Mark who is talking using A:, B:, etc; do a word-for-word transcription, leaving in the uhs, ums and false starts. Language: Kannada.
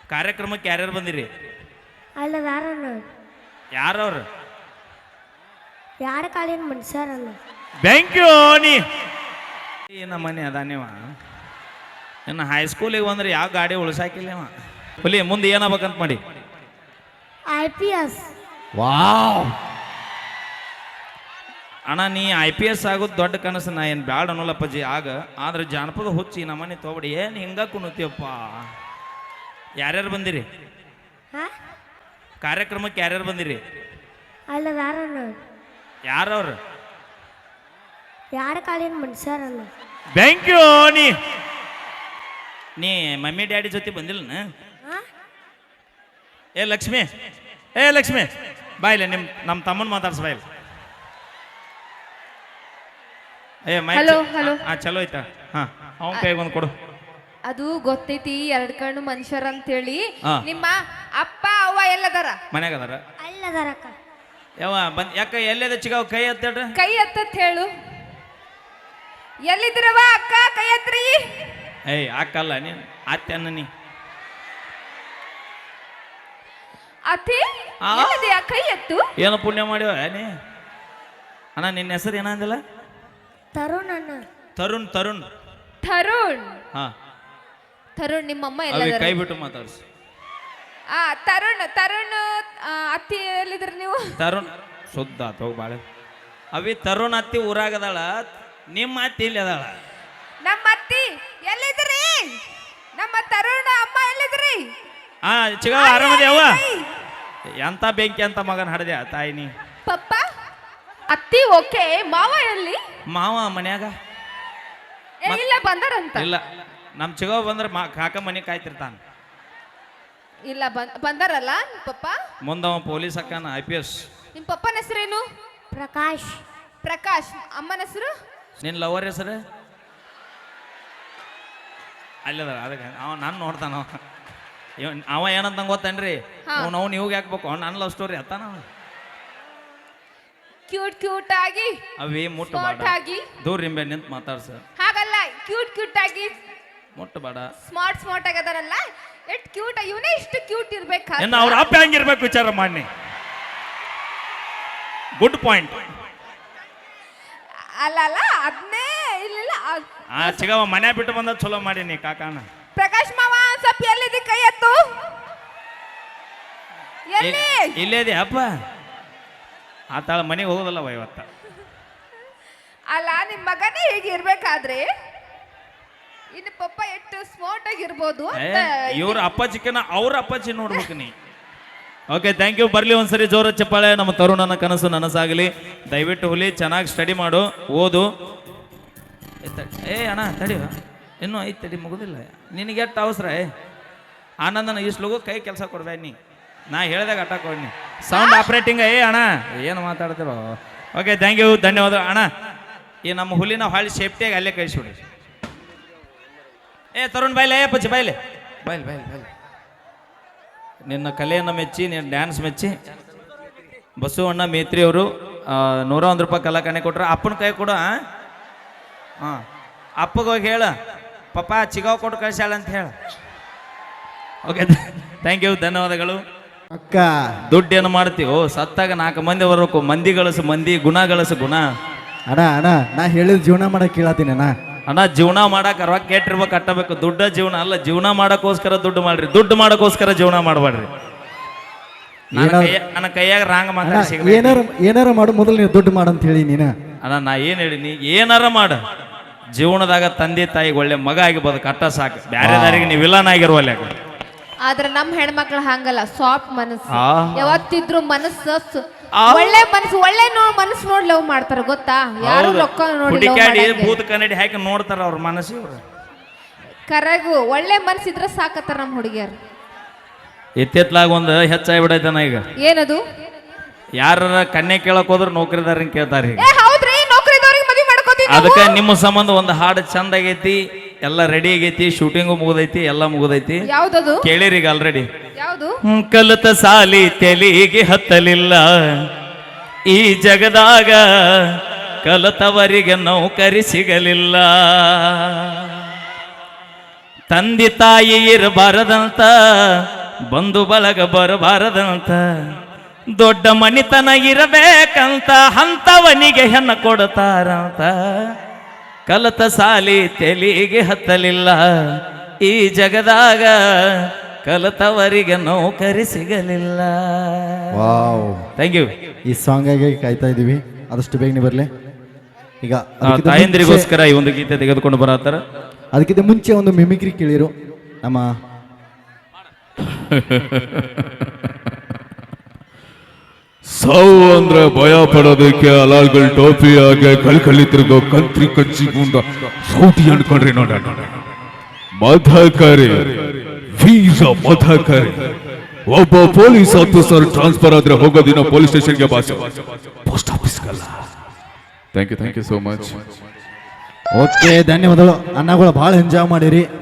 A: ಕಾರ್ಯಕ್ರಮಕ್ಕೆ ಯಾರ್ಯಾರು ಬಂದಿರಿ?
B: ಅಲ್ಲ ಯಾರನ್ನ
A: ಯಾರವ್ರು?
B: ಯಾರ ಕಾಲಿನ ಮನುಷ್ಯರಲ್ಲ.
A: Thank you. ನೀ ನಮ್ಮ ಮನೆ ಅದಾನೇವ ಇನ್ನು ಹೈಸ್ಕೂಲಿಗೆ ಬಂದ್ರೆ ಯಾವ ಗಾಡಿ ಉಳ್ಸಾಕಿಲ್ಲವ. ಹುಲಿ ಮುಂದೆ ಏನಾಗ್ಬೇಕಂತ ಮಾಡಿ?
B: I P S.
A: ವಾವ್ ಅಣ್ಣ, ನೀ ಐ ಪಿ ಎಸ್ ಆಗೋದು ದೊಡ್ಡ ಕನಸು. ನಾ ಏನು ಬ್ಯಾಡ ಅನ್ನೋಲ್ಲಪ್ಪಜ್ಜಿ ಆಗ. ಆದ್ರೆ ಜಾನಪದ ಹುಚ್ಚಿ ನಮ್ಮನೆ ತೊಗೊಬಿಡಿ. ಏನು ಹಿಂಗ ಕುಣತೀಯಪ್ಪ? ಯಾರ್ಯಾರು ಬಂದಿರಿ ಕಾರ್ಯಕ್ರಮಕ್ಕೆ? ಯಾರ್ಯಾರು ಬಂದಿರಿ?
B: ಅಲ್ಲ ಯಾರನ್ನ
A: ಯಾರವ್ರು?
B: ಯಾರ ಕಾಲಿನ ಮನುಷ್ಯರಲ್ಲ.
A: Thank you. ನೀ ನೀ ಮಮ್ಮಿ ಡ್ಯಾಡಿ ಜೊತೆ ಬಂದಿಲ್ಲ? ಏ ಲಕ್ಷ್ಮಿ, ಏ ಲಕ್ಷ್ಮಿ ಬಾಯಿಲ್ಲ. ನಿಮ್ಮ ನಮ್ಮ ತಮ್ಮನ ಮಾತಾಡ್ಸ ಬಾಯಿಲ್ಲ. ಏ ಮೈ ಹಾ ಚಲೋ ಐತಾ? ಹಾ ಅವನ ಕೈಗೆ ಒಂದು ಕೊಡು.
C: ಅದು ಗೊತ್ತೈತಿ, ಎರಡ್ ಕಣ್ಣು ಮನುಷ್ಯರ ಅಂತೇಳಿ.
A: ಹಾ.
C: ನಿಮ್ಮ ಅಪ್ಪ ಅವ್ವ ಎಲ್ಲದಾರ?
A: ಮನ್ಯಾಗ ಅದಾರ.
B: ಅಲ್ಲದಾರಕ್ಕ.
A: ಯಾವ ಬಂದ್ ಯಾಕ ಎಲ್ಲದ ಚಿಗಾವ್ ಕೈ ಎತ್ತೇಳ್ರಿ.
C: ಕೈ ಎತ್ತತ್ ಹೇಳು. ಎಲ್ಲಿದ್ರವ ಅಕ್ಕ? ಕೈ ಎತ್ರಿ.
A: ಏಯ್ ಅಕ್ಕಲ್ಲ ನೀನು ಅತ್ತೆ ಅನ್ನ. ನೀ
C: ಅತಿ
A: ಆ?
C: ಎಲ್ಲಿದ್ಯಾ? ಕೈ ಎತ್ತು.
A: ಏನು ಪುಣ್ಯ ಮಾಡ್ಯವ ನೀ? ಅಣ್ಣ ನಿನ್ನ ಹೆಸರು ಏನಂದಿಲ್ಲ?
B: ತರುಣ್ ಅಣ್ಣ.
A: ತರುಣ್. ತರುಣ್
C: ತರುಣ್.
A: ಹಾ
C: ತರುಣ್ ನಿಮ್ಮಮ್ಮ
A: ಅವಿ
C: ಎಲ್ಲದಾರ?
A: ಕೈ ಬಿಟ್ಟು ಮಾತಾಡ್ಸಿ.
C: ಆ ತರುಣ್ ತರುಣ್ ಆ, ಅತ್ತಿ ಎಲ್ಲಿದ್ರಿ ನೀವು?
A: ತರುಣ್ ಶುದ್ಧ ಆತ ಬಾಳೆ. ಅವಿ ತರುಣ್ ಅತ್ತಿ ಊರಾಗದಾಳ. ನಿಮ್ಮ ಅತ್ತಿ ಇಲ್ಲಿ ಅದಾಳ.
C: ನಮ್ಮ ಅತ್ತಿ ಎಲ್ಲಿದ್ರಿ? ನಮ್ಮ ತರುಣ್ ಅಮ್ಮ ಎಲ್ಲಿದ್ರಿ?
A: ಹಾ ಚಿಗಾವ ಆರಾಮದೇವ? ಎಂತ ಬೆಂಕಿ ಅಂತ ಮಗನ ಹಡ್ದೆ ತಾಯಿ ನೀ.
C: ಪಪ್ಪ ಅತ್ತಿ ಓಕೆ. ಮಾವ ಎಲ್ಲಿ?
A: ಮಾವ ಮನ್ಯಾಗ
C: ಏ, ಇಲ್ಲ ಬಂದಾರಂತ.
A: ಇಲ್ಲ. ನಮ್ಮ ಚಿಗಾವ ಬಂದ್ರೆ ಮಾ ಕಾಕ ಮನೆ ಕಾಯ್ತಿರ್ತಾನ.
C: ಇಲ್ಲ ಬಂದ್ ಬಂದಾರಲ್ಲ ನಿಮ್ ಪಪ್ಪ.
A: ಮುಂದವ ಪೊಲೀಸ್ ಅಕ್ಕನ ಐ ಪಿ ಎಸ್.
C: ನಿಮ್ ಪಪ್ಪನ ಹೆಸರೇನು?
B: ಪ್ರಕಾಶ್.
C: ಪ್ರಕಾಶ್. ಅಮ್ಮನ ಹೆಸರು?
A: ನಿನ್ನ ಲವರ್ ಹೆಸರು? ಅಲ್ಲದ ಅದಕ್ಕೆ ಅವ ನಾನು ನೋಡ್ತಾನ. ಇವ ಅವ ಏನಂತ ಗೊತ್ತೇನ್ರಿ?
C: ಹಾ.
A: ಅವ್ನು ಅವ್ನು ಇವಾಗ ಹಾಕ್ಬೇಕು. ನನ್ನ ಲವ್ ಸ್ಟೋರಿ ಅತ್ತಾನ.
C: ಕ್ಯೂಟ್ ಕ್ಯೂಟ್ ಆಗಿ
A: ಅವೇ ಮುಟ್ಟು
C: ಸ್ಮಾರ್ಟ್
A: ಬೇಡ.
C: ಆಗಿ.
A: ದೂರ ನಿಂಬೆ ನಿಂತು ಮಾತಾಡ್ಸ.
C: ಹಾಗಲ್ಲ, ಕ್ಯೂಟ್ ಕ್ಯೂಟ್ ಆಗಿ
A: ಮುಟ್ಟು ಬೇಡ.
C: ಸ್ಮಾರ್ಟ್ ಸ್ಮಾರ್ಟ್ ಆಗದಾರಲ್ಲ, ಎಷ್ಟ್ ಕ್ಯೂಟ್. ಇವನೇ ಇಷ್ಟು ಕ್ಯೂಟ್ ಇರ್ಬೇಕಾ?
A: ಇನ್ನು ಅವ್ರ ಅಪ್ಪ ಹೆಂಗಿರ್ಬೇಕು ವಿಚಾರ ಮಾಡಿ. Good point.
C: ಅಲ್ಲ ಅಲ್ಲ ಅದನ್ನೇ ಇಲ್ಲ.
A: ಆ ಚಿಗವ ಮನೆ ಬಿಟ್ಟು ಬಂದ ಚಲೋ ಮಾಡೀನಿ ಕಾಕಾನ.
C: ಪ್ರಕಾಶ್ ಮಾವ ಸ್ವಲ್ಪ ಎಲ್ಲಿದೆ? ಕೈ ಎತ್ತು. ಎಲ್ಲಿ?
A: ಇಲ್ಲೇ ಇದೆ ಅಪ್ಪ. ಆತಾಳ ಮನೆಗೆ ಹೋಗೋದಲ್ಲವ ಇವತ್ತ.
C: ಅಲ್ಲ ನಿಮ್ ಮಗನೇ ಹೀಗೆ ಇರ್ಬೇಕಾದ್ರೆ ಇನ್ನು ಪಪ್ಪ ಎಷ್ಟು ಸ್ಮಾರ್ಟ್ ಆಗಿರ್ಬೋದು ಅಂತ.
A: ಇವ್ರ ಅಪ್ಪಾಜಿಕನ ಅವ್ರ ಅಪ್ಪಾಜಿ ನೋಡ್ಬೇಕು ನೀ. Okay thank you. ಬರ್ಲಿ ಒಂದ್ಸರಿ ಜೋರ ಚಪ್ಪಾಳೆ. ನಮ್ಮ ತರುಣನ ಕನಸು ನನಸಾಗಲಿ. ದಯವಿಟ್ಟು ಹುಲಿ ಚೆನ್ನಾಗಿ ಸ್ಟಡಿ ಮಾಡು, ಓದು. ಏ ಅಣ್ಣ ತಡಿ, ಇನ್ನೂ ಐದು ತಡಿ ಮುಗುದಿಲ್ಲ. ನಿನಗೆ ಎಷ್ಟು ಅವಸರ? ಏ ಆನಂದನ ಇಷ್ಟು ಕೈ ಕೆಲಸ ಕೊಡ್ಬೇಡ ನೀ. ನಾ ಹೇಳಿದಾಗ ಅಟ್ಟ ಕೊಡ್ನಿ. Sound operating. ಏ ಅಣ್ಣ ಏನು ಮಾತಾಡ್ತಿರೋ? ಓಕೆ ಥ್ಯಾಂಕ್ ಯು, ಧನ್ಯವಾದ ಅಣ್ಣ. ಈ ನಮ್ಮ ಹುಲಿನ ಹಾಳಿ ಸೇಫ್ಟಿಯಾಗಿ ಅಲ್ಲೇ ಕಳಿಸ್ಬಿಡಿ. ಏ ತರುಣ್ ಬಾಯ್ಲೆ, ಏ ಪಚ್ಚಿ ಬಾಯ್ಲೆ, ಬಾಯ್ಲೆ ಬಾಯ್ಲೆ ಬಾಯ್ಲೆ. ನಿನ್ನ ಕಲೆಯನ್ನು ಮೆಚ್ಚಿ, ನಿನ್ನ ಡ್ಯಾನ್ಸ್ ಮೆಚ್ಚಿ ಬಸವಣ್ಣ ಮೇತ್ರಿ ಅವರು ನೂರ ಒಂದು ರೂಪಾಯಿ ಕಲಾಕಣೆ ಕೊಟ್ರು. ಅಪ್ಪನ ಕೈ ಕೊಡು. ಹಾಂ ಅಪ್ಪಗೆ ಹೋಗಿ ಹೇಳ ಪಪ್ಪ ಚಿಗಾವ್ ಕೊಟ್ಟು ಕಳ್ಸ್ಯಾಳ ಅಂತ ಹೇಳ. ಓಕೆ ಥ್ಯಾಂಕ್ ಯು, ಧನ್ಯವಾದಗಳು.
D: ಅಕ್ಕ
A: ದುಡ್ಡೇನು ಮಾಡ್ತೀವೋ? ಸತ್ತಾಗ ನಾಲ್ಕು ಮಂದಿ ಬರಬೇಕು. ಮಂದಿ ಗಳಸು ಮಂದಿ, ಗುಣ ಗಳಸು ಗುಣ.
D: ಅಣ್ಣ ಅಣ್ಣ ನಾ ಹೇಳಿದ ಜೀವನ ಮಾಡಕ್ ಕೇಳತ್ತೀನಿ ಅಣ್ಣ.
A: ಅಣ್ಣ ಜೀವನ ಮಾಡಕ್ಕೆ ರೊಕ್ಕ ಕೆಟ್ಟಿರ್ಬೇಕು, ಕಟ್ಟಬೇಕು. ದುಡ್ಡ ಜೀವನ ಅಲ್ಲ. ಜೀವನ ಮಾಡೋಕ್ಕೋಸ್ಕರ ದುಡ್ಡು ಮಾಡ್ರಿ, ದುಡ್ಡು ಮಾಡೋಕ್ಕೋಸ್ಕರ ಜೀವನ ಮಾಡಬೇಡ್ರಿ. ನನ್ನ ಕೈಯಾಗ ರಾಂಗ್ ಮಾತಾಡಿ.
D: ಏನಾರ ಏನಾರ ಮಾಡು, ಮೊದಲು ನೀವು ದುಡ್ಡು ಮಾಡಂತ ಹೇಳಿ ನೀನು.
A: ಅಣ್ಣ ನಾ ಏನು ಹೇಳಿನಿ? ಏನಾರ ಮಾಡ. ಜೀವನದಾಗ ತಂದೆ ತಾಯಿಗೆ ಒಳ್ಳೆ ಮಗ ಆಗಿರ್ಬೋದು, ಕಟ್ಟ ಸಾಕು. ಬ್ಯಾರೆ ದಾರಿಗೆ ನೀವು ವಿಲನ್ ಆಗಿರುವಲ್ಲ.
C: ಆದ್ರೆ ನಮ್ ಹೆಣ್ಮಕ್ಳು ಹಂಗಲ್ಲ, ಸಾಫ್ಟ್ ಮನಸ್ಸು.
A: ಆ.
C: ಯಾವತ್ತಿದ್ರು ಮನಸ್ಸು ಸ-
A: ಆ.
C: ಒಳ್ಳೆ ಮನಸ್ಸು, ಒಳ್ಳೆ ನೋ ಮನಸ್ಸು ನೋಡಿ ಲವ್ ಮಾಡ್ತಾರ ಗೊತ್ತಾ? ಯಾರು ರೊಕ್ಕ ನೋಡಿ love
A: ಹುಡುಕಾಡಿ
C: ಮಾಡಂಗಿಲ್ಲ.
A: ಭೂತ ಕನ್ನಡಿ ಹಾಕಿ ನೋಡ್ತಾರ ಅವ್ರ ಮನಸ್ಸಿವ್ರು.
C: ಕರೆಗೂ ಒಳ್ಳೆ ಮನಸ್ಸಿದ್ರೆ ಸಾಕತ್ತಾರ ನಮ್ ಹುಡುಗಿಯರು.
A: ಎತ್ತೆತ್ಲಾಗ ಒಂದು ಹೆಚ್ಚಾಗ್ಬಿಡೈತನ ಈಗ.
C: ಏನದು?
A: ಯಾರ ಕನ್ಯೆ ಕೇಳಕ್ ಹೋದ್ರ ನೌಕರಿದಾರನ್ ಕೇಳ್ತಾರ ಈಗ.
C: ಏ ಹೌದ್ರಿ, ನೌಕರಿದವ್ರಿಗೆ ಮದ್ವೆ ಮಾಡ್ಕೋತೀವಿ.
A: ಅದಕ್ಕೆ ನಿಮ್ಮ ಸಂಬಂಧ ಒಂದು ಹಾಡು ಚಂದ ಆಗೈತಿ, ಎಲ್ಲ ರೆಡಿ ಆಗೈತಿ, ಶೂಟಿಂಗು ಮುಗಿದೈತಿ, ಎಲ್ಲ ಮುಗಿದೈತಿ.
C: ಯಾವ್ದದು?
A: ಕೇಳಿರಿ ಈಗ ಆಲ್ರೆಡಿ.
C: ಯಾವ್ದು?
A: ಕಲಿತ ಸಾಲಿ ತೆಲಿಗೆ ಹತ್ತಲಿಲ್ಲ, ಈ ಜಗದಾಗ ಕಲಿತವರಿಗೆ ನೌಕರಿ ಸಿಗಲಿಲ್ಲ. ತಂದೆ ತಾಯಿ ಇರಬಾರದಂತ ಬಂಧು ಬಳಗ ಬರಬಾರದಂತ ದೊಡ್ಡ ಮನಿತನ ಇರಬೇಕಂತ ಹಂತವನಿಗೆ ಹೆಣ್ಣ ಕೊಡ್ತಾರಂತ ಕಲತ ಸಾಲಿ ತೆಲಿಗೆ ಹತ್ತಲಿಲ್ಲ ಈ ಜಗದಾಗ ಕಲತವರಿಗೆ ನೌಕರಿ ಸಿಗಲಿಲ್ಲ.
D: Wow,
A: thank you.
D: ಈ ಸಾಂಗಾಗಿ ಕಾಯ್ತಾ ಇದೀವಿ, ಆದಷ್ಟು ಬೇಗನೆ ಬರಲಿ. ಈಗ ಅದಕ್ಕಿಂತ ಮುಂಚೆ-
A: ತಾಯಂದಿರಿಗೋಸ್ಕರ ಈ ಒಂದು ಗೀತೆ ತೆಗೆದುಕೊಂಡು ಬರತ್ತಾರ.
D: ಅದಕ್ಕಿಂತ ಮುಂಚೆ ಒಂದು ಮಿಮಿಕ್ರಿ ಕೇಳಿರು ನಮ್ಮ
E: ಸಾವು ಅಂದ್ರೆ ಭಯ ಪಡೋದಕ್ಕೆ ಅಲಾಲ್ಗಳು ಟೋಪಿ ಹಾಗೆ ಕಳ್ಕಲ್ಲಿ ತಿರುಗೋ ಕಂತ್ರಿ ಕಚ್ಚಿಗುಂಡ ಸೌಟಿ ಅನ್ಕೊಂಡ್ರಿ ನೋಡ ಮಧಕರಿ ವೀರ ಮಧಕರಿ. ಒಬ್ಬ ಪೊಲೀಸ್ ಆಫೀಸರ್ ಟ್ರಾನ್ಸ್ಫರ್ ಆದ್ರೆ ಹೋಗೋ ದಿನ ಪೊಲೀಸ್ ಸ್ಟೇಷನ್ಗೆ ಬಾಸ್ ಪೋಸ್ಟ್ ಆಫೀಸ್ಗಲ್ಲ. Thank you thank you so much.
D: Okay, ಧನ್ಯವಾದಗಳು ಅಣ್ಣಗಳು, ಭಾಳ ಎಂಜಾಯ್ ಮಾಡಿರಿ.